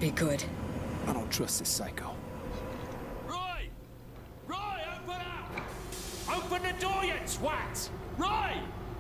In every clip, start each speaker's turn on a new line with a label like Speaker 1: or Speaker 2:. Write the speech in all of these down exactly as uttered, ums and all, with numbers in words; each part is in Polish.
Speaker 1: be good.
Speaker 2: I don't trust this psycho.
Speaker 3: Roy! Roy, open up! Open the door, you twat! Roy!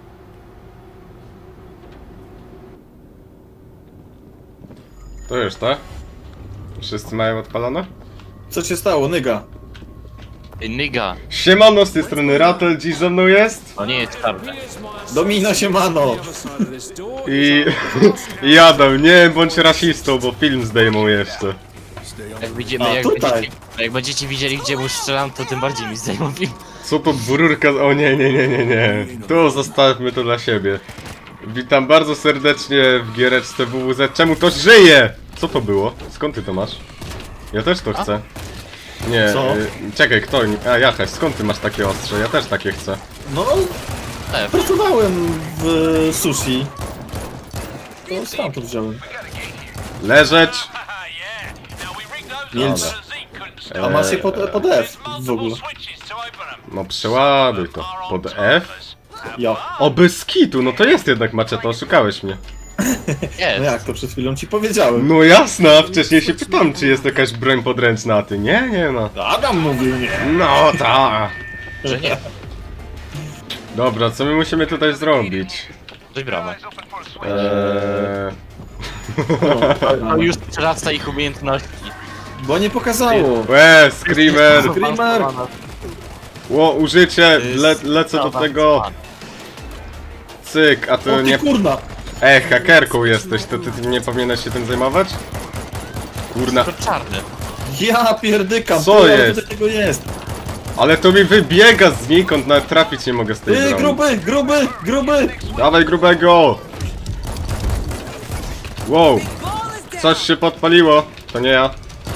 Speaker 4: To już, tak? Wszyscy mają odpalone?
Speaker 5: Co się stało, nyga?
Speaker 6: Ej, Nyga,
Speaker 4: Siemano, z tej strony Ratel, dziś ze mną jest
Speaker 6: to nie jest czarne.
Speaker 5: Domino siemano!
Speaker 4: i... i Adam, nie bądź rasistą, bo film zdejmą jeszcze.
Speaker 6: Jak widzimy,
Speaker 5: A,
Speaker 6: jak
Speaker 5: tutaj.
Speaker 6: będziecie, jak będziecie widzieli, gdzie mu strzelam, to tym bardziej mi zdejmą film.
Speaker 4: Co to dwururka? O nie, nie, nie, nie, nie. Tu zostawmy to dla siebie. Witam bardzo serdecznie w giereczce W W Z. Czemu to żyje? Co to było? Skąd ty to masz? Ja też to chcę. Nie,
Speaker 5: Co?
Speaker 4: y, czekaj, kto? A, Jachaś, skąd ty masz takie ostrze? Ja też takie chcę.
Speaker 5: No,
Speaker 6: F.
Speaker 5: pracowałem w sushi. To stamtąd wziąłem.
Speaker 4: Leżeć!
Speaker 5: Milcz. A masz je pod, pod F w ogóle.
Speaker 4: No przeładuj to. Pod F?
Speaker 5: Ja.
Speaker 4: O, bez kitu, no to jest jednak maczeta, oszukałeś mnie.
Speaker 5: No
Speaker 6: Jest.
Speaker 5: jak to przed chwilą ci powiedziałem?
Speaker 4: No jasne, a wcześniej się pytam, czy jest jakaś broń podręczna, a ty nie, nie ma.
Speaker 5: Adam mówił nie.
Speaker 4: No ta.
Speaker 6: Że nie.
Speaker 4: Dobra, co my musimy tutaj zrobić?
Speaker 6: Coś bramę.
Speaker 4: Eee...
Speaker 6: To już przerasta ich umiejętności.
Speaker 5: Bo nie pokazało.
Speaker 4: Łe, Screamer!
Speaker 5: Screamer!
Speaker 4: Ło, użycie, le, lecę do tego. Cyk, a
Speaker 5: O
Speaker 4: to
Speaker 5: ty
Speaker 4: nie...
Speaker 5: kurna!
Speaker 4: E, hakerką jesteś, to ty, ty nie powinieneś się tym zajmować? Kurna,
Speaker 6: To czarny.
Speaker 5: Ja pierdykam,
Speaker 4: Co
Speaker 5: co
Speaker 4: jest?
Speaker 5: jest? Tego jest.
Speaker 4: ale to mi wybiega znikąd, nawet trafić nie mogę z tej
Speaker 5: Ty,
Speaker 4: broni.
Speaker 5: gruby, gruby, gruby!
Speaker 4: Dawaj grubego! Wow, coś się podpaliło, to nie ja.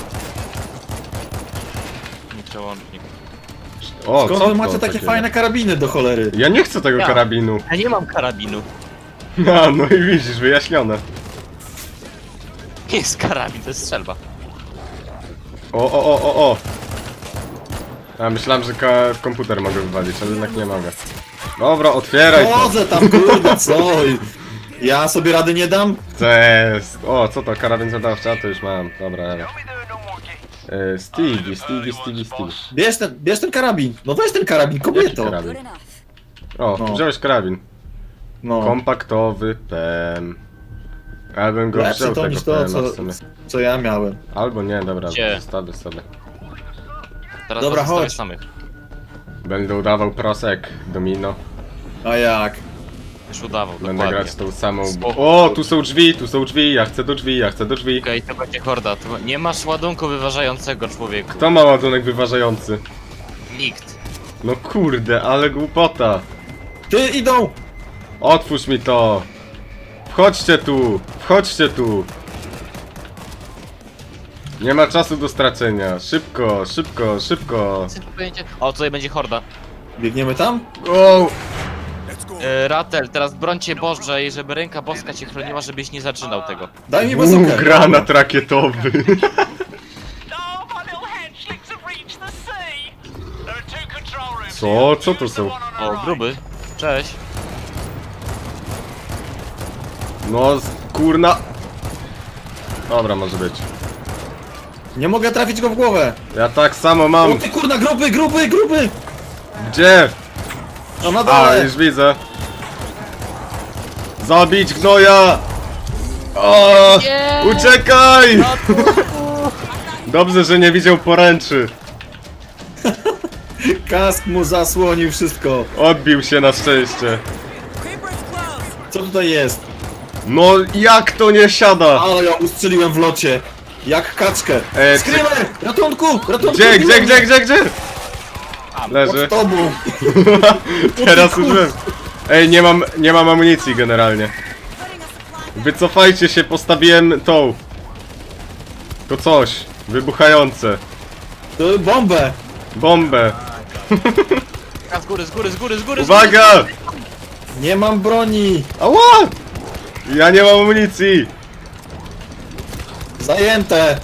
Speaker 6: Nie przełącznik.
Speaker 4: O,
Speaker 5: Skąd
Speaker 4: co
Speaker 5: wy
Speaker 4: to
Speaker 5: macie takie
Speaker 4: takiego?
Speaker 5: fajne karabiny do cholery?
Speaker 4: Ja nie chcę tego
Speaker 6: Ja.
Speaker 4: karabinu.
Speaker 6: Ja nie mam karabinu.
Speaker 4: No, no i widzisz, wyjaśnione.
Speaker 6: Nie jest karabin, to jest strzelba.
Speaker 4: O, o, o, o, o. A myślałem, że ka- komputer mogę wywalić, ale jednak nie mogę. Dobra, otwieraj to.
Speaker 5: Chodzę tam, kurde, co? Ja sobie rady nie dam?
Speaker 4: Cześć. O, co to? Karabin zadawczy? A to już mam. Dobra, dobra. E, Stevie, Stevie, Stevie, Stevie.
Speaker 5: Bierz ten, bierz ten karabin. No weź ten karabin,
Speaker 4: Jaki
Speaker 5: kobieto.
Speaker 4: karabin?
Speaker 1: Good enough.
Speaker 4: O,
Speaker 5: No.
Speaker 4: wziąłeś karabin.
Speaker 5: No,
Speaker 4: Kompaktowy pen. Ja bym go
Speaker 5: lepsze
Speaker 4: wziął
Speaker 5: to
Speaker 4: tego
Speaker 5: niż to,
Speaker 4: pena
Speaker 5: co,
Speaker 4: w sumie.
Speaker 5: co ja miałem.
Speaker 4: Albo nie, dobra,
Speaker 6: Gdzie?
Speaker 4: zostawię sobie.
Speaker 6: Teraz
Speaker 5: Dobra,
Speaker 6: was zostawię
Speaker 5: chodź.
Speaker 6: samych.
Speaker 4: Będę udawał prosek, domino.
Speaker 5: A jak?
Speaker 6: Już udawał,
Speaker 4: Będę
Speaker 6: dokładnie.
Speaker 4: grać tą samą...
Speaker 6: Spoko.
Speaker 4: O, tu są drzwi, tu są drzwi, ja chcę do drzwi, ja chcę do drzwi.
Speaker 6: Okej, to będzie horda. To nie masz ładunku wyważającego, człowieku.
Speaker 4: Kto ma ładunek wyważający?
Speaker 6: Nikt.
Speaker 4: No kurde, ale głupota.
Speaker 5: Ty, idą!
Speaker 4: Otwórz mi to! Wchodźcie tu! Wchodźcie tu! Nie ma czasu do stracenia. Szybko, szybko, szybko.
Speaker 6: O, tutaj będzie horda.
Speaker 5: Biegniemy tam?
Speaker 4: O!
Speaker 6: E, Ratel, teraz brońcie Boże i żeby ręka boska cię chroniła, żebyś nie zaczynał tego.
Speaker 5: Daj mi
Speaker 4: Uuu,
Speaker 5: bazookę.
Speaker 4: granat rakietowy.
Speaker 3: Oh, my little hatchlings have reached the sea! There are two control rooms.
Speaker 4: Co? Co to są?
Speaker 6: O, gruby. Cześć.
Speaker 4: No, z- kurna. Dobra, może być.
Speaker 5: Nie mogę trafić go w głowę.
Speaker 4: Ja tak samo
Speaker 5: O
Speaker 4: mam.
Speaker 5: ty kurna, gruby, gruby, gruby!
Speaker 4: Gdzie?
Speaker 5: No na
Speaker 4: A,
Speaker 5: dole!
Speaker 4: już widzę. Zabić gnoja! O! Uciekaj! Dobrze, że nie widział poręczy.
Speaker 5: Kask mu zasłonił wszystko.
Speaker 4: Odbił się na szczęście.
Speaker 5: Co tutaj jest?
Speaker 4: No jak to nie siada?
Speaker 5: Ale ja ustrzeliłem w locie. Jak kaczkę.
Speaker 4: E,
Speaker 5: Screamer! Ratunku! Ratunku!
Speaker 4: Gdzie, gdzie, gdzie, gdzie, gdzie? Leży.
Speaker 5: Pod tobą.
Speaker 4: Teraz
Speaker 5: kur-
Speaker 4: użyłem. Ej, nie mam, nie mam amunicji generalnie. Wycofajcie się, postawiłem tą. To coś. Wybuchające.
Speaker 5: To bombę.
Speaker 4: Bombę.
Speaker 6: A, z góry, z góry, z góry, z góry! z
Speaker 4: Uwaga!
Speaker 5: Nie mam broni.
Speaker 4: Ała! Ja nie mam amunicji.
Speaker 5: Zajęte.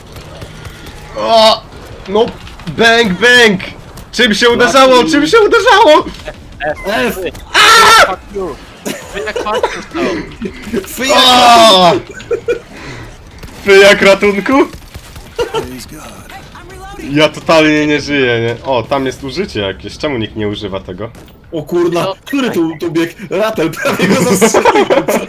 Speaker 4: O! No, bang, bang! Czym się uderzało? Czym się uderzało?
Speaker 5: F.
Speaker 6: góry! Fuck you! Wy jak fuck you stał.
Speaker 5: Fyja.
Speaker 4: O! Wy jak ratunku?
Speaker 2: Praise God.
Speaker 4: Ja totalnie nie żyję, nie? O, tam jest użycie jakieś. Czemu nikt nie używa tego?
Speaker 5: O kurna,
Speaker 6: No.
Speaker 5: który tu, tu biegł? Ratel prawie go zastrzelił.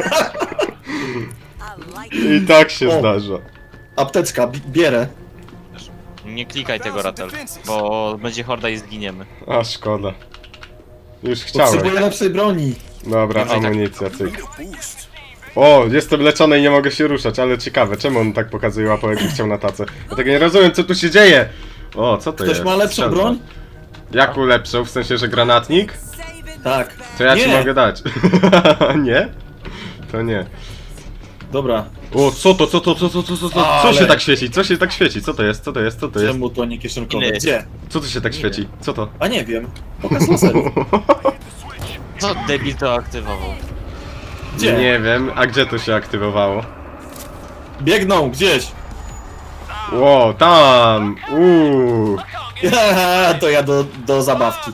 Speaker 4: I tak się
Speaker 5: O.
Speaker 4: zdarza.
Speaker 5: Apteczka, bi- bierę.
Speaker 6: Nie klikaj tego, Ratel, bo będzie horda i zginiemy.
Speaker 4: A, szkoda. Już chciałem.
Speaker 5: Potrzebuję lepszej broni.
Speaker 4: Dobra,
Speaker 6: Dobrze, i tak.
Speaker 4: amunicja, cyk.
Speaker 2: A boost.
Speaker 4: O, jestem leczony i nie mogę się ruszać, ale ciekawe, czemu on tak pokazuje łapą, jakby chciał na tacę? Ja tego nie rozumiem, co tu się dzieje! O, co to
Speaker 5: Ktoś
Speaker 4: jest?
Speaker 5: ma lepszą
Speaker 4: Strzelba.
Speaker 5: broń?
Speaker 4: Jaką lepszą? W sensie, że granatnik?
Speaker 5: Tak.
Speaker 4: To ja ci
Speaker 5: Nie.
Speaker 4: mogę dać. Nie? To nie.
Speaker 5: Dobra.
Speaker 4: O, co to, co to, co to, co to, co to? Co
Speaker 5: Ale-
Speaker 4: się tak świeci? Co się tak świeci? Co to jest? Co to jest? Co to jest?
Speaker 5: Czemu to nie kieszonkowe?
Speaker 6: Ile?
Speaker 5: Gdzie?
Speaker 4: Co tu się tak świeci? Co to?
Speaker 5: A nie wiem. Pokaż laserów.
Speaker 6: Co debil to aktywował?
Speaker 5: Gdzie?
Speaker 4: Nie wiem, a gdzie to się aktywowało?
Speaker 5: Biegną gdzieś.
Speaker 4: Ło, tam! Uuu!
Speaker 5: To ja do, do zabawki.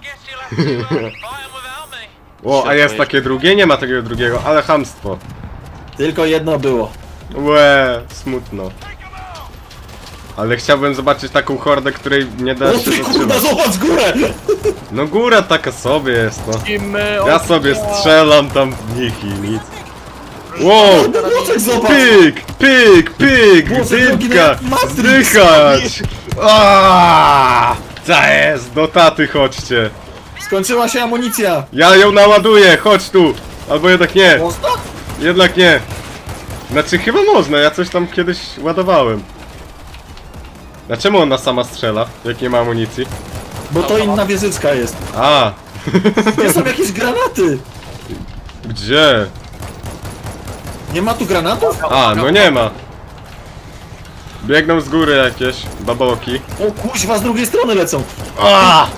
Speaker 4: O, a jest takie drugie? Nie ma takiego drugiego, ale chamstwo.
Speaker 5: Tylko jedno było.
Speaker 4: Łe, smutno. Ale chciałbym zobaczyć taką hordę, której nie da
Speaker 5: O
Speaker 4: się
Speaker 5: ty kurna,
Speaker 4: zatrzymać.
Speaker 5: zobacz górę!
Speaker 4: No góra taka sobie jest, no.
Speaker 6: Teamy
Speaker 4: Ja sobie strzelam tam w nich i nic. Wow!
Speaker 5: Boczek zobacz!
Speaker 4: Pyk, pyk, pyk,
Speaker 5: Boże, drogi,
Speaker 4: dymka,
Speaker 5: jak Matrix.
Speaker 4: zdychać! Aaaa! Co jest? Do taty chodźcie.
Speaker 5: Skończyła się amunicja.
Speaker 4: Ja ją naładuję, chodź tu! Albo jednak nie,
Speaker 5: Można?
Speaker 4: jednak nie. Znaczy chyba można, ja coś tam kiedyś ładowałem. Dlaczego ona sama strzela, jak nie ma amunicji?
Speaker 5: Bo to inna wieżyczka jest.
Speaker 4: A,
Speaker 5: Nie są jakieś granaty.
Speaker 4: gdzie?
Speaker 5: Nie ma tu granatów?
Speaker 4: A, no nie ma. Biegną z góry jakieś baboki.
Speaker 5: O kuźwa, z drugiej strony lecą.
Speaker 4: A!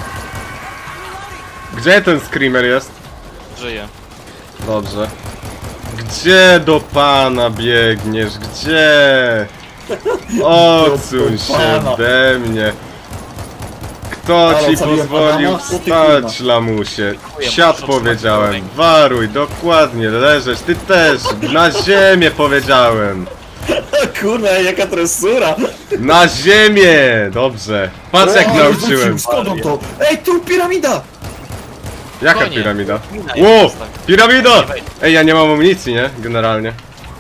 Speaker 4: Gdzie ten screamer jest?
Speaker 6: żyje.
Speaker 4: Dobrze. Gdzie do pana biegniesz? Gdzie? Odsuń
Speaker 5: Do
Speaker 4: się
Speaker 5: pana.
Speaker 4: ode mnie. Kto
Speaker 5: Halo,
Speaker 4: ci
Speaker 5: zabiłem
Speaker 4: pozwolił
Speaker 5: Adama? Co ty
Speaker 4: wstać,
Speaker 5: kurwa?
Speaker 4: lamusie?
Speaker 6: Dziękuję,
Speaker 4: Siad
Speaker 6: proszę,
Speaker 4: powiedziałem.
Speaker 6: trzymaj
Speaker 4: Waruj, dokładnie, leżeć. Ty też. Na ziemię powiedziałem.
Speaker 5: Kurwa, jaka tresura.
Speaker 4: Na ziemię! Dobrze. Patrz jak
Speaker 5: O,
Speaker 4: nauczyłem.
Speaker 5: rzucił, skąd on to? Ej, tu piramida!
Speaker 4: Jaka
Speaker 6: Konie.
Speaker 4: piramida?
Speaker 6: Mina
Speaker 4: Ło!
Speaker 6: jest tak.
Speaker 4: Piramida! Ej, ja nie mam amunicji, nie? Generalnie.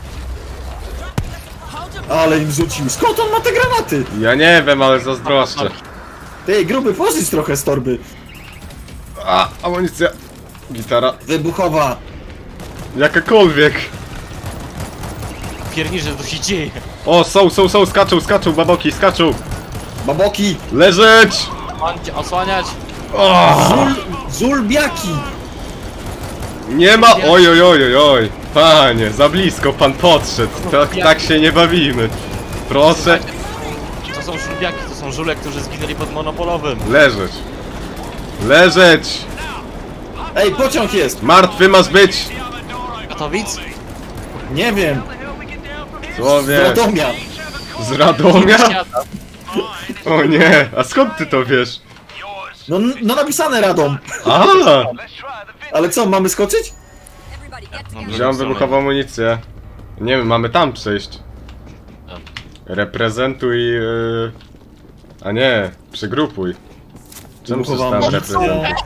Speaker 5: Ale im rzucił. Skąd on ma te granaty?
Speaker 4: Ja nie wiem, ale zazdroszczę.
Speaker 5: Ej, gruby, pożycz trochę z torby.
Speaker 4: A, amunicja. Gitara.
Speaker 5: Wybuchowa.
Speaker 4: Jakakolwiek.
Speaker 6: Pierniczy, że tu się dzieje.
Speaker 4: O, są, są, są, skaczą, skaczą, baboki, skaczą.
Speaker 5: Baboki.
Speaker 4: Leżeć!
Speaker 6: Osłaniać, osłaniać.
Speaker 4: O,
Speaker 5: Zul, zulbiaki.
Speaker 4: nie ma, oj, oj, oj, oj, oj. Panie, za blisko pan podszedł. To, tak się nie bawimy. Proszę,
Speaker 6: To są żulbiaki, to są żule, którzy zginęli pod monopolowym.
Speaker 4: leżeć. Leżeć!
Speaker 5: Ej, pociąg jest.
Speaker 4: Martwy masz być!
Speaker 6: Katowic?
Speaker 5: Nie wiem. Z
Speaker 4: Słowie,
Speaker 5: Radomia.
Speaker 4: z Radomia?
Speaker 6: Świata.
Speaker 4: O nie, a skąd ty to wiesz?
Speaker 5: No, no napisane Radom.
Speaker 4: A,
Speaker 5: Ale co, mamy skoczyć?
Speaker 6: No,
Speaker 4: wziąłem wybuchową amunicję. Nie wiem, mamy tam przejść. Reprezentuj... Yy... A nie, przygrupuj. Czemu
Speaker 5: Wybuchową
Speaker 4: przeczytałem
Speaker 5: amunicję.
Speaker 4: reprezentuj?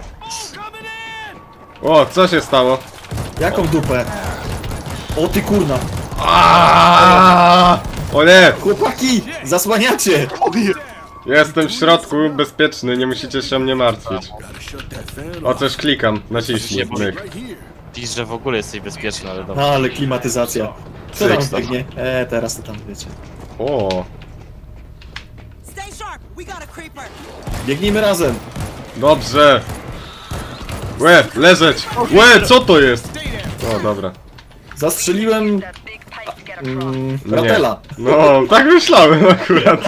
Speaker 4: O, co się stało?
Speaker 5: Jaką dupę? O ty kurna.
Speaker 4: Aaaa! O nie!
Speaker 5: Chłopaki, zasłaniacie.
Speaker 4: Jestem w środku, bezpieczny, nie musicie się mnie martwić.
Speaker 2: Gotta shut that fan
Speaker 4: O
Speaker 2: off
Speaker 4: coś klikam, naciśnij, myk.
Speaker 2: right here.
Speaker 6: Pisz, że w ogóle jesteś bezpieczny, ale dobra.
Speaker 5: No, ale klimatyzacja. Co tam
Speaker 4: Cyk.
Speaker 5: biegnie? Eee, teraz to tam wiecie.
Speaker 4: O,
Speaker 1: Stay sharp. We got a creeper.
Speaker 5: Biegnijmy razem.
Speaker 4: dobrze. Łe, leżeć! Łe, co to jest? O, dobra.
Speaker 5: Zastrzeliłem... Mm,
Speaker 4: Nie.
Speaker 5: Ratela.
Speaker 4: No, tak myślałem akurat.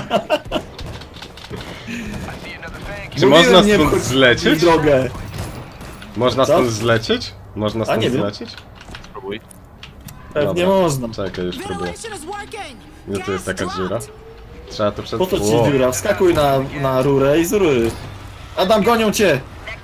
Speaker 4: Czy
Speaker 5: Mówiłem,
Speaker 4: można
Speaker 5: nie
Speaker 4: stąd
Speaker 5: wchodź
Speaker 4: zlecieć?
Speaker 5: w drogę.
Speaker 4: Można
Speaker 5: Co?
Speaker 4: stąd zlecieć? Można
Speaker 5: A,
Speaker 4: stąd
Speaker 5: nie wiem.
Speaker 4: zlecieć?
Speaker 6: Spróbuj.
Speaker 5: Pewnie
Speaker 4: Dobra.
Speaker 5: można.
Speaker 4: Czekaj, już próbuję.
Speaker 1: Ventilation is working.
Speaker 4: Gdzie tu jest
Speaker 1: Gas
Speaker 4: taka dziura?
Speaker 1: dropped.
Speaker 4: Trzeba to przed...
Speaker 5: Po to ci
Speaker 4: Ło.
Speaker 5: dziura, wskakuj na, na rurę i z rury. Adam, gonią cię!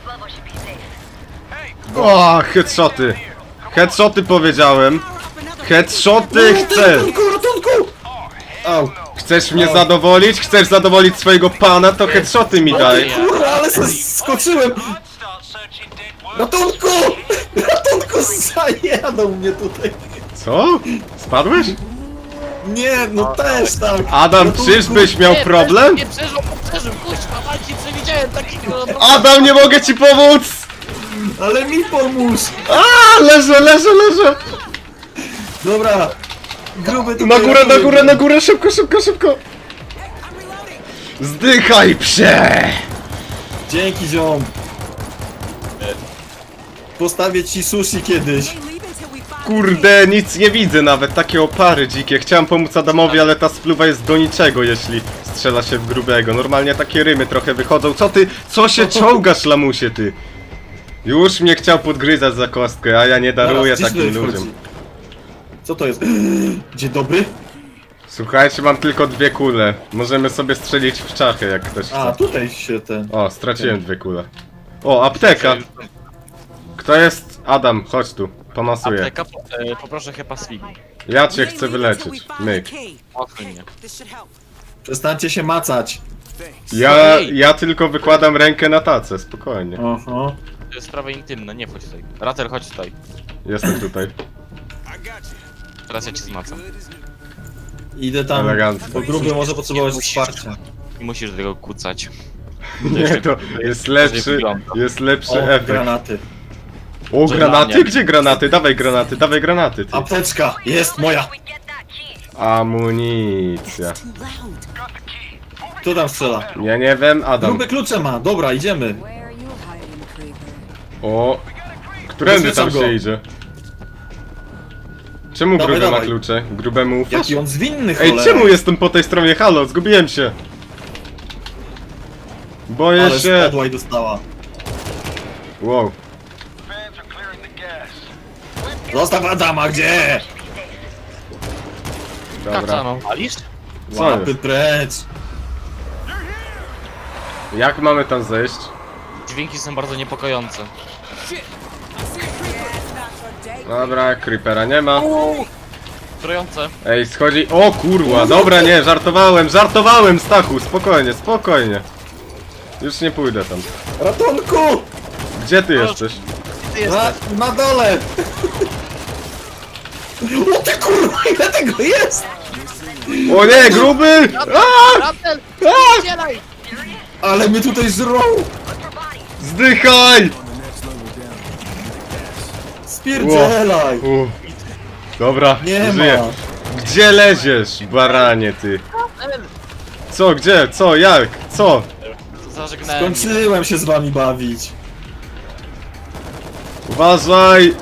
Speaker 4: O, headshoty! Headshoty powiedziałem! Headshoty chcę!
Speaker 5: Ratunku, ratunku! Au.
Speaker 4: Chcesz mnie zadowolić? Chcesz zadowolić swojego pana? To headshoty mi daj.
Speaker 5: Kurwa, ale se skoczyłem! Ratunku! Ratunku, zajadą mnie tutaj!
Speaker 4: Co? Spadłeś?
Speaker 5: Nie, no też tak!
Speaker 4: Adam,
Speaker 5: Ratunku.
Speaker 4: czyżbyś miał problem?
Speaker 6: Nie przeżył, przeżył, kuźwa, walki, przewidziałem takiego...
Speaker 4: Adam, nie mogę ci pomóc!
Speaker 5: Ale mi pomóż!
Speaker 4: A, leżę, leżę, leżę!
Speaker 5: Dobra! Gruby tutaj
Speaker 4: Na górę, na
Speaker 5: ratuje
Speaker 4: górę,
Speaker 5: mnie.
Speaker 4: na górę, szybko, szybko, szybko! Zdychaj, psie!
Speaker 5: Dzięki, ziom! Postawię ci sushi kiedyś.
Speaker 1: Ain't leaving till we find
Speaker 4: Kurde, nic nie widzę nawet, takie opary dzikie. Chciałem pomóc Adamowi, ale ta spluwa jest do niczego, jeśli strzela się w grubego. Normalnie takie rymy trochę wychodzą. Co ty, co się czołgasz, lamusie, ty? Już mnie chciał podgryzać za kostkę, a ja nie daruję
Speaker 5: Zaraz, gdzieś
Speaker 4: takim
Speaker 5: tutaj
Speaker 4: ludziom.
Speaker 5: wchodzi. Co to jest? Dzień dobry?
Speaker 4: Słuchajcie, mam tylko dwie kule. Możemy sobie strzelić w czachy, jak ktoś
Speaker 5: A,
Speaker 4: chce.
Speaker 5: tutaj się ten...
Speaker 4: O, straciłem dwie kule. O, apteka! Kto jest? Adam, chodź tu, pomasuję.
Speaker 6: Apteka, po, e, poproszę chyba Swigi.
Speaker 4: Ja cię
Speaker 1: We ain't
Speaker 4: chcę
Speaker 1: leaving till we
Speaker 4: wyleczyć.
Speaker 1: find the
Speaker 4: Myk.
Speaker 1: key.
Speaker 6: Odsuń mnie.
Speaker 1: This should help.
Speaker 5: Przestańcie się macać.
Speaker 4: Ja,
Speaker 6: Ej.
Speaker 4: ja tylko wykładam rękę na tacę, spokojnie.
Speaker 5: Aha.
Speaker 6: To jest sprawa intymna, nie wchodź tutaj. Ratel, chodź tutaj.
Speaker 4: Jestem tutaj.
Speaker 6: Teraz ja cię zmacam.
Speaker 5: Idę tam,
Speaker 4: Elegancko.
Speaker 5: bo gruby może potrzebować
Speaker 6: Musisz.
Speaker 5: wsparcia.
Speaker 6: I musisz do tego kucać.
Speaker 4: Nie, to jest lepszy,
Speaker 6: wygląda.
Speaker 4: jest lepszy
Speaker 5: O,
Speaker 4: efekt.
Speaker 5: granaty.
Speaker 4: O,
Speaker 6: Że
Speaker 4: granaty?
Speaker 6: dla mnie.
Speaker 4: Gdzie granaty? Dawaj granaty, dawaj granaty, ty.
Speaker 5: Apteczka! Jest moja!
Speaker 4: Amunicja.
Speaker 1: Too loud.
Speaker 5: Kto tam strzela?
Speaker 4: Ja nie wiem, Adam.
Speaker 5: Gruby klucze ma, dobra, idziemy.
Speaker 7: Where are you hiding, creeper?
Speaker 4: O, którędy tam
Speaker 5: Rozwieszam
Speaker 4: się
Speaker 5: go.
Speaker 4: idzie? Czemu
Speaker 5: Dawaj,
Speaker 4: gruby ma
Speaker 5: dawaj.
Speaker 4: klucze? Grubemu ufasz?
Speaker 5: Jaki on zwinny,
Speaker 4: Ej,
Speaker 5: cholera.
Speaker 4: czemu jestem po tej stronie? Halo, zgubiłem się. Boję
Speaker 5: Ale
Speaker 4: się.
Speaker 5: spadła i dostała.
Speaker 4: Wow.
Speaker 5: Zostaw Adama, gdzie?
Speaker 6: Kacza,
Speaker 4: Dobra.
Speaker 6: no walisz?
Speaker 4: Co
Speaker 5: Łapy
Speaker 4: jest?
Speaker 5: precz.
Speaker 4: Jak mamy tam zejść?
Speaker 6: Dźwięki są bardzo niepokojące.
Speaker 4: Dobra, creepera nie ma.
Speaker 6: Trujące.
Speaker 4: Ej, schodzi. O kurwa, dobra, nie, żartowałem, żartowałem, Stachu, spokojnie, spokojnie. Już nie pójdę tam.
Speaker 5: Ratunku!
Speaker 4: Gdzie ty jesteś?
Speaker 6: Ty
Speaker 5: Na,
Speaker 6: jesteś.
Speaker 5: na dole! O ty kurwa, ile tego jest?
Speaker 4: O nie, gruby! A!
Speaker 6: Ratel!
Speaker 4: A!
Speaker 6: Udzielaj!
Speaker 5: Ale mnie tutaj żrą!
Speaker 4: Zdychaj!
Speaker 5: Spierdzielaj!
Speaker 4: U. Dobra,
Speaker 5: Nie
Speaker 4: żyję.
Speaker 5: ma!
Speaker 4: Gdzie leziesz, baranie ty? Co, gdzie, co, jak, co?
Speaker 6: Zażegnałem.
Speaker 5: Skończyłem się z wami bawić.
Speaker 4: Uważaj!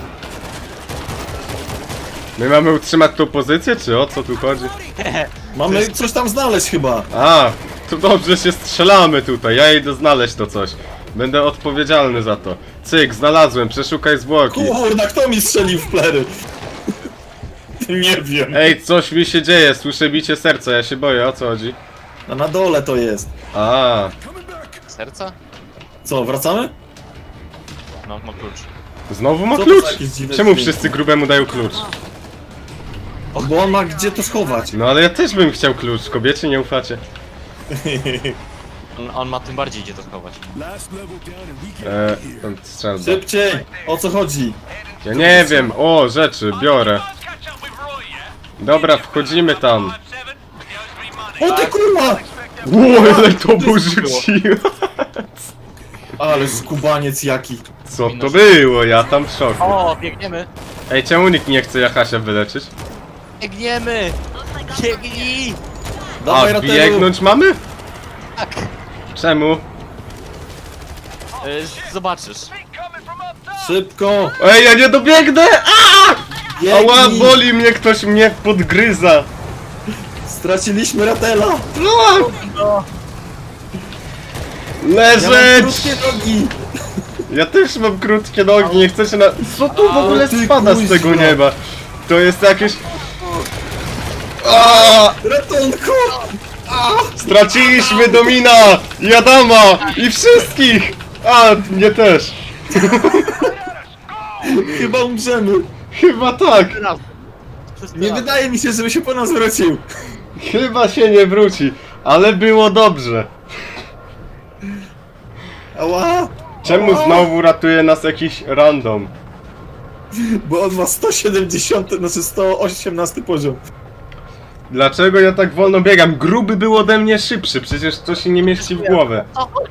Speaker 4: My mamy utrzymać tą pozycję, czy o co tu chodzi?
Speaker 5: Mamy coś tam znaleźć chyba.
Speaker 4: A, to dobrze się strzelamy tutaj, ja idę znaleźć to coś. Będę odpowiedzialny za to. Cyk, znalazłem, przeszukaj zwłoki.
Speaker 5: Kurna, kto mi strzelił w plery? Nie wiem.
Speaker 4: Ej, coś mi się dzieje, słyszę bicie serca, ja się boję, o co chodzi?
Speaker 5: A na dole to jest.
Speaker 4: A,
Speaker 6: Serca?
Speaker 5: Co, wracamy?
Speaker 6: No, ma klucz.
Speaker 4: znowu ma
Speaker 5: Co to
Speaker 4: klucz?
Speaker 5: za jakieś dziwne
Speaker 4: Czemu
Speaker 5: dźwięki?
Speaker 4: wszyscy grubemu dają klucz?
Speaker 5: Bo on ma gdzie to schować.
Speaker 4: No ale ja też bym chciał klucz, kobiecie nie ufacie.
Speaker 6: On, on ma tym bardziej gdzie to schować.
Speaker 2: Last level down and we can
Speaker 4: Eee,
Speaker 2: get here.
Speaker 4: tam strzelba.
Speaker 5: Szybciej! O co chodzi?
Speaker 4: Ja nie wiem, o, rzeczy, biorę. Dobra, wchodzimy tam.
Speaker 5: O ty kurwa!
Speaker 4: Ło, ale to był rzuciłem.
Speaker 5: Ale skubaniec jaki.
Speaker 4: Co to było? Ja tam w szoku.
Speaker 6: O, biegniemy!
Speaker 4: Ej, czemu nikt nie chce Jachasia wyleczyć?
Speaker 6: Biegniemy! Biegnij!
Speaker 5: Dawaj,
Speaker 4: A,
Speaker 5: Ratelu.
Speaker 4: biegnąć mamy?
Speaker 6: Tak!
Speaker 4: Czemu?
Speaker 6: Y, zobaczysz.
Speaker 5: Szybko!
Speaker 4: Ej, ja nie dobiegnę! A! Ała,
Speaker 5: Biegnij!
Speaker 4: boli mnie, ktoś mnie podgryza.
Speaker 5: Straciliśmy Ratela!
Speaker 4: No!
Speaker 5: Ja mam
Speaker 4: Leżeć!
Speaker 5: krótkie nogi!
Speaker 4: Ja też mam krótkie nogi, nie chcę się na... Co tu w ogóle
Speaker 5: ty
Speaker 4: spada z tego
Speaker 5: kuźwa.
Speaker 4: nieba? To jest jakieś... A!
Speaker 5: Ratunku!
Speaker 4: Straciliśmy Domina! I Adama! I wszystkich! A, mnie też.
Speaker 5: Chyba umrzemy.
Speaker 4: Chyba tak.
Speaker 6: Teraz.
Speaker 5: Nie wydaje mi się, żeby się po nas wrócił.
Speaker 4: Chyba się nie wróci, ale było dobrze.
Speaker 5: Ała!
Speaker 4: Czemu
Speaker 5: Ała!
Speaker 4: znowu ratuje nas jakiś random?
Speaker 5: Bo on ma sto siedemdziesiąt, znaczy sto osiemnasty poziom.
Speaker 4: Dlaczego ja tak wolno biegam? Gruby był ode mnie szybszy, przecież to się nie mieści w głowę.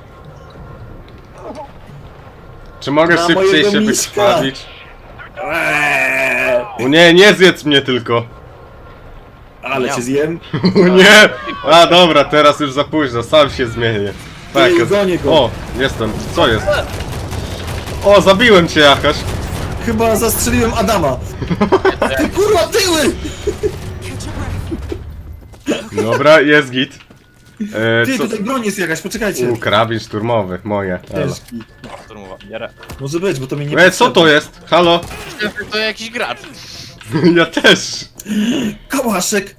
Speaker 4: Czy mogę
Speaker 5: Na
Speaker 4: szybciej
Speaker 5: mojego
Speaker 4: się
Speaker 5: miśka.
Speaker 4: wykrwawić?
Speaker 5: Eee,
Speaker 4: O nie, nie zjedz mnie tylko.
Speaker 5: ale cię zjem.
Speaker 4: O nie! A dobra, teraz już za późno, sam się zmienię. Tak,
Speaker 5: Ty,
Speaker 4: jest.
Speaker 5: gonię go.
Speaker 4: O, jestem. Co jest? O, zabiłem cię jakaś.
Speaker 5: Chyba zastrzeliłem Adama. Ty kurwa tyły!
Speaker 1: Catch your breath.
Speaker 4: Dobra, jest git. E,
Speaker 5: Ty,
Speaker 4: co?
Speaker 5: tutaj broń jest jakaś, poczekajcie.
Speaker 4: U, karabin szturmowy, moje. Elo.
Speaker 5: Ciężki.
Speaker 6: Szturmowa, bierę.
Speaker 5: Może być, bo to mi nie
Speaker 4: E, co to jest? Halo?
Speaker 6: To jakiś gracz.
Speaker 4: Ja też.
Speaker 5: Kałaszek!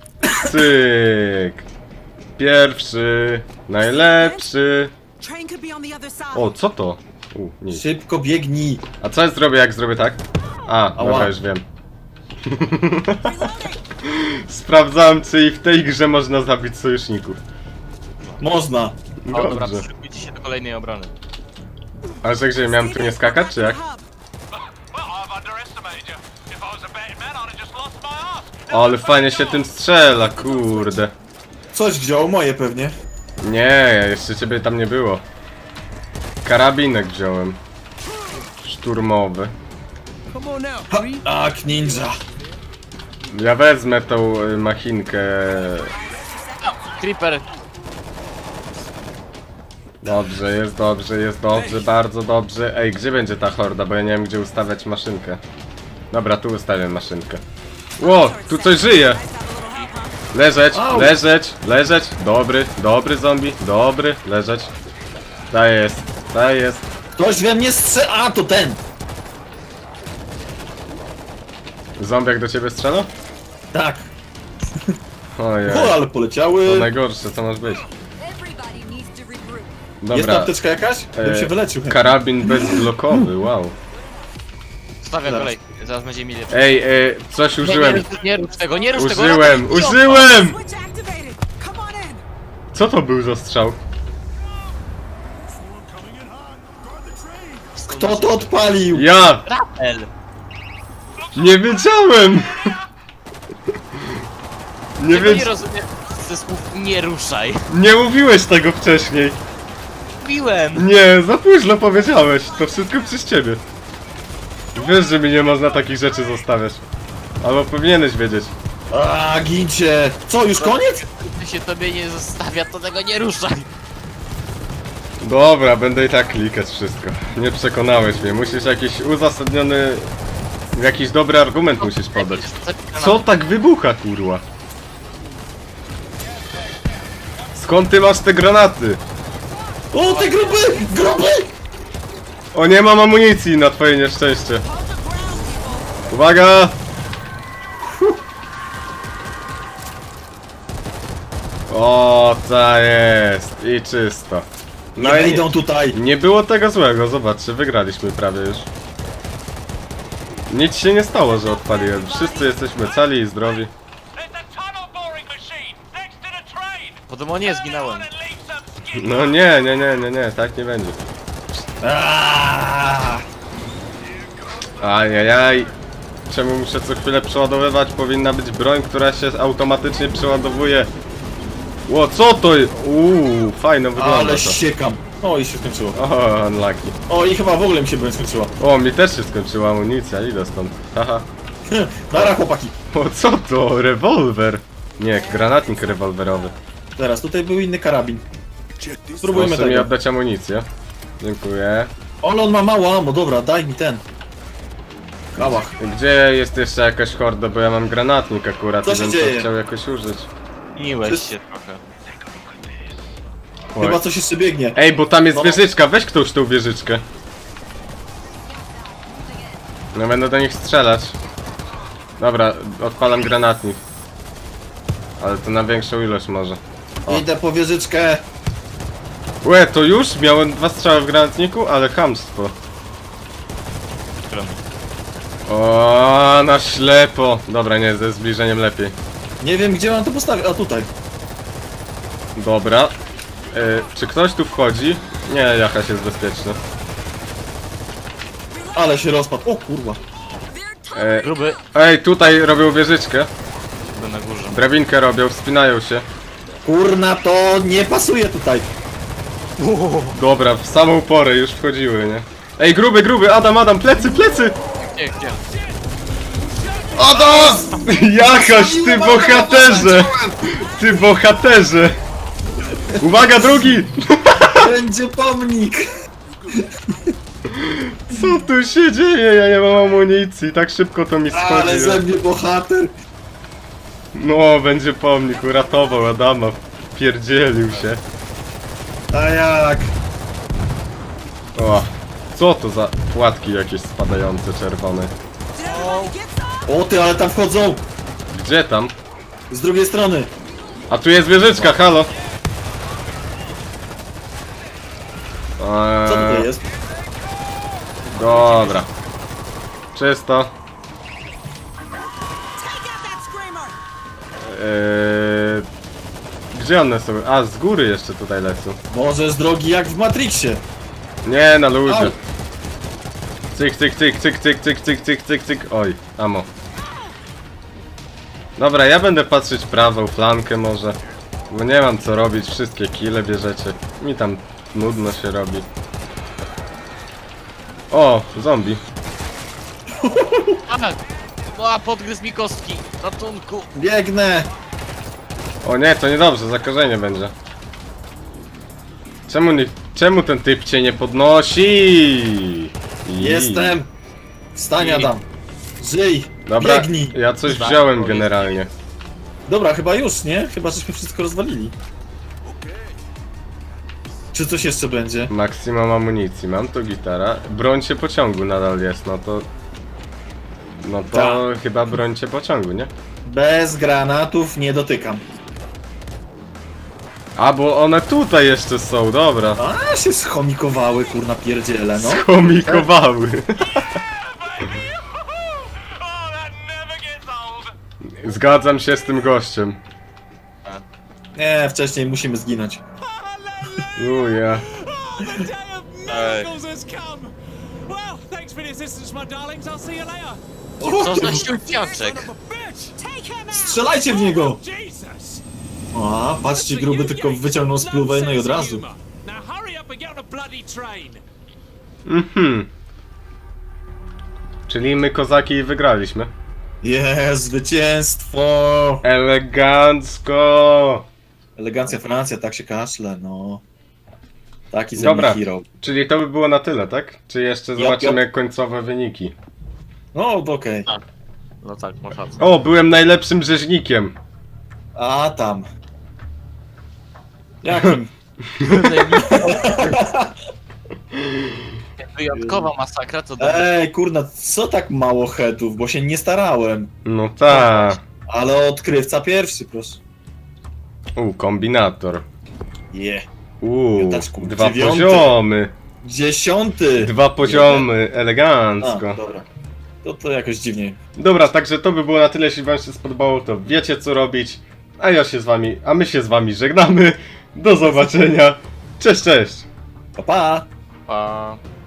Speaker 4: Cyk. Pierwszy, najlepszy.
Speaker 1: Train could be on the other side.
Speaker 4: O, co to? U, nic.
Speaker 5: Szybko biegnij.
Speaker 4: A co ja zrobię, jak zrobię tak? A,
Speaker 5: Ała.
Speaker 4: dobra, już wiem.
Speaker 1: Reloading.
Speaker 4: Sprawdzałem, czy i w tej grze można zabić sojuszników.
Speaker 5: Można.
Speaker 6: O, dobra,
Speaker 4: Dobrze.
Speaker 6: przygotujcie się do kolejnej obrony.
Speaker 4: A że gdzie, miałem tu nie skakać, czy jak?
Speaker 1: Hub.
Speaker 3: Well, I've underestimated you. If I was a betting man, I'd have just lost my ass.
Speaker 4: Ale fajnie się tym strzela, kurde.
Speaker 5: Coś wziął, moje pewnie.
Speaker 4: Nie, jeszcze ciebie tam nie było. Karabinek wziąłem. Szturmowy.
Speaker 2: Come on now,
Speaker 5: Ha,
Speaker 2: Free.
Speaker 5: tak, ninja.
Speaker 4: Ja wezmę tą y, machinkę.
Speaker 6: Creeper.
Speaker 4: Dobrze, jest dobrze, jest dobrze, bardzo dobrze. Ej, gdzie będzie ta horda, bo ja nie wiem, gdzie ustawiać maszynkę. Dobra, tu ustawiam maszynkę. Ło, tu coś żyje! Leżeć,
Speaker 5: Au.
Speaker 4: leżeć, leżeć. Dobry, dobry zombie, dobry, leżeć. Ta jest, ta jest.
Speaker 5: Ktoś we mnie strze... A, to ten!
Speaker 4: Zombiak do ciebie strzela?
Speaker 5: Tak.
Speaker 4: Ojej,
Speaker 5: O, ale
Speaker 4: to
Speaker 5: poleciały.
Speaker 4: najgorsze, co może być.
Speaker 1: Everybody needs to regroup.
Speaker 5: Jest tam
Speaker 4: Dobra,
Speaker 5: apteczka jakaś? Bym się wyleczył. chętnie.
Speaker 4: karabin bezblokowy, wow.
Speaker 6: Stawiam
Speaker 5: Zaraz.
Speaker 6: kolej. Zaraz będzie milion.
Speaker 4: Ej, e, coś
Speaker 6: Nie,
Speaker 4: użyłem.
Speaker 6: nie, nie rusz tego, nie rusz tego.
Speaker 4: Użyłem,
Speaker 6: Ratuj,
Speaker 4: użyłem!
Speaker 1: Switch activated. Come on in.
Speaker 4: Co to był za strzał?
Speaker 5: Kto to odpalił?
Speaker 4: Ja!
Speaker 6: Ratel.
Speaker 4: Nie wiedziałem! Nie,
Speaker 6: Tego nie
Speaker 4: wiedz...
Speaker 6: rozumiem ze słów nie ruszaj.
Speaker 4: nie mówiłeś tego wcześniej.
Speaker 6: Mówiłem.
Speaker 4: Nie, za późno powiedziałeś. To wszystko przez ciebie. Wiesz, że mi nie można takich rzeczy zostawiać. Albo powinieneś wiedzieć.
Speaker 5: A, gincie. Co, już koniec?
Speaker 6: Gdy się tobie nie zostawia, to tego nie ruszaj.
Speaker 4: Dobra, będę i tak klikać wszystko. Nie przekonałeś mnie. Musisz jakiś uzasadniony... Jakiś dobry argument musisz podać. Co tak wybucha, kurwa? Skąd ty masz te granaty?
Speaker 5: O, te gruby! Gruby!
Speaker 4: O, nie mam amunicji na twoje nieszczęście. Uwaga! O, ta jest. I czysto.
Speaker 5: No
Speaker 4: No
Speaker 5: nie
Speaker 4: i
Speaker 5: idą tutaj.
Speaker 4: nie było tego złego, zobaczcie, wygraliśmy prawie już. Nic się nie stało, że odpaliłem. Wszyscy jesteśmy cali i zdrowi.
Speaker 3: There's a tunnel boring machine next to the train.
Speaker 6: Po demonie zginąłem.
Speaker 3: And leave some skin.
Speaker 4: No nie, nie, nie, nie, nie, tak nie będzie.
Speaker 5: Aaaa!
Speaker 4: Ajajaj. Czemu muszę co chwilę przeładowywać? Powinna być broń, która się automatycznie przeładowuje. Ło, co to jest? Uuu, fajno wygląda
Speaker 5: Ale
Speaker 4: to.
Speaker 5: siekam. O, i się skończyło.
Speaker 4: O, unlucky.
Speaker 5: O, i chyba w ogóle mi się broń skończyła.
Speaker 4: O, mi też się skończyła amunicja, idę stąd. Haha.
Speaker 5: Nara, chłopaki.
Speaker 4: O, co to? Rewolwer? Nie, granatnik rewolwerowy.
Speaker 5: Teraz, tutaj był inny karabin.
Speaker 2: Check this.
Speaker 5: Spróbujmy
Speaker 4: Proszę mi
Speaker 5: tego.
Speaker 4: oddać amunicję. Dziękuję.
Speaker 5: Ale on ma mało ammo, dobra, daj mi ten. Kałach.
Speaker 4: Gdzie jest jeszcze jakaś horda, bo ja mam granatnik akurat
Speaker 5: Co
Speaker 4: i
Speaker 5: się
Speaker 4: bym to
Speaker 5: dzieje?
Speaker 4: chciał jakoś użyć.
Speaker 6: Miłeś
Speaker 5: Wszyscy-
Speaker 6: się trochę.
Speaker 4: Oj.
Speaker 5: Chyba coś jeszcze biegnie.
Speaker 4: Ej, bo tam jest
Speaker 5: No.
Speaker 4: wieżyczka, weź ktoś tą wieżyczkę. No będę do nich strzelać. Dobra, odpalam granatnik. Ale to na większą ilość może. O.
Speaker 5: Idę po wieżyczkę.
Speaker 4: Łe, to już? Miałem dwa strzały w granatniku, ale chamstwo. O, na ślepo. Dobra, nie, ze zbliżeniem lepiej.
Speaker 5: Nie wiem, gdzie mam to postawić. A tutaj.
Speaker 4: Dobra. E, czy ktoś tu wchodzi? Nie, Jachaś jest bezpieczny.
Speaker 5: Ale się rozpadł. O kurwa.
Speaker 4: E,
Speaker 6: Gruby.
Speaker 4: ej, tutaj robią wieżyczkę.
Speaker 6: Chyba na górze.
Speaker 4: Drabinkę robią, wspinają się.
Speaker 5: Kurna, to nie pasuje tutaj.
Speaker 4: Dobra, w samą porę już wchodziły, nie? Ej, gruby, gruby, Adam, Adam, plecy, plecy!
Speaker 6: Gdzie, gdzie?
Speaker 4: Adam! Jachaś, ty bohaterze! Ty bohaterze! Uwaga, drugi!
Speaker 5: Będzie pomnik.
Speaker 4: Co tu się dzieje? Ja nie mam amunicji, tak szybko to mi schodzi.
Speaker 5: Ale ze mnie bohater.
Speaker 4: No, będzie pomnik, uratował Adama, pierdzielił się.
Speaker 5: A jak?
Speaker 4: O, co to za płatki jakieś spadające, czerwone?
Speaker 1: Did everybody get some?
Speaker 5: O ty, ale tam wchodzą.
Speaker 4: Gdzie tam?
Speaker 5: Z drugiej strony.
Speaker 4: A tu jest wieżyczka, halo! Eee,
Speaker 5: Co tutaj jest?
Speaker 4: Dobra. Czysto.
Speaker 1: Take out that screamer!
Speaker 4: Eee, gdzie one są? A, z góry jeszcze tutaj lecą.
Speaker 5: Może z drogi jak w Matrixie.
Speaker 4: Nie, na luzie.
Speaker 5: Au.
Speaker 4: Cyk, cyk, cyk, cyk, cyk, cyk, cyk, cyk, cyk, cyk. Oj, amo. Dobra, ja będę patrzeć prawą flankę może. Bo nie mam co robić, wszystkie kile bierzecie. Mi tam nudno się robi. O, zombie.
Speaker 6: A, podgryzł mi kostki. Ratunku.
Speaker 5: Biegnę.
Speaker 4: O nie, to niedobrze, zakażenie będzie. Czemu nie, czemu ten typ cię nie podnosi? I-
Speaker 5: Jestem. Wstań, Adam. Żyj.
Speaker 4: Dobra,
Speaker 5: Biegnij.
Speaker 4: ja coś
Speaker 6: Tak,
Speaker 4: wziąłem
Speaker 6: powiedz.
Speaker 4: generalnie.
Speaker 5: Dobra, chyba już, nie? Chyba żeśmy wszystko rozwalili. Czy coś jeszcze będzie?
Speaker 4: Maksimum amunicji, mam tu gitara. Broń się pociągu nadal jest, no to... No to
Speaker 5: Tak.
Speaker 4: chyba broń się pociągu, nie?
Speaker 5: Bez granatów nie dotykam.
Speaker 4: A, bo one tutaj jeszcze są, dobra.
Speaker 5: A, się schomikowały, kurna pierdziele, no.
Speaker 4: Komikowały. Zgadzam się z tym gościem.
Speaker 5: Nie, wcześniej musimy zginąć.
Speaker 4: Uja.
Speaker 6: Ej.
Speaker 3: has come. Well, thanks for the assistance, my darlings. I'll see you later.
Speaker 6: Co za ściąpiaczek?
Speaker 3: Bitch!
Speaker 1: Take him out!
Speaker 5: Strzelajcie w niego!
Speaker 3: Jesus!
Speaker 5: A, patrzcie, gruby tylko wyciągnął spluwę, no i od razu.
Speaker 3: Now hurry up and get on a bloody train.
Speaker 4: Mhm. Czyli my kozaki wygraliśmy.
Speaker 5: Jest, zwycięstwo!
Speaker 4: Elegancko!
Speaker 5: Elegancja Francja, tak się kaszle, no. Taki ze
Speaker 4: Dobra.
Speaker 5: mnie hero.
Speaker 4: Czyli to by było na tyle, tak? Czy jeszcze
Speaker 5: Jop,
Speaker 4: zobaczymy końcowe wyniki?
Speaker 5: No, to okej.
Speaker 6: No tak, masz rację.
Speaker 4: O, byłem najlepszym rzeźnikiem.
Speaker 5: A tam. Jakim?
Speaker 6: Wyjątkowa masakra, to do...
Speaker 5: Ej, kurna, co tak mało headów, bo się nie starałem.
Speaker 4: No tak.
Speaker 5: Ale odkrywca pierwszy, proszę.
Speaker 4: U, kombinator.
Speaker 5: Je.
Speaker 4: Uuu,
Speaker 5: Piątaczku,
Speaker 4: dwa
Speaker 5: dziewiąty.
Speaker 4: poziomy.
Speaker 5: Dziesiąty!
Speaker 4: Dwa poziomy,
Speaker 5: A,
Speaker 4: elegancko.
Speaker 5: dobra. To to jakoś dziwnie.
Speaker 4: Dobra, także to by było na tyle, jeśli wam się spodobało, to wiecie co robić. A ja się z wami, a my się z wami żegnamy. Do zobaczenia. Cześć, cześć.
Speaker 5: Pa, pa!
Speaker 6: Pa.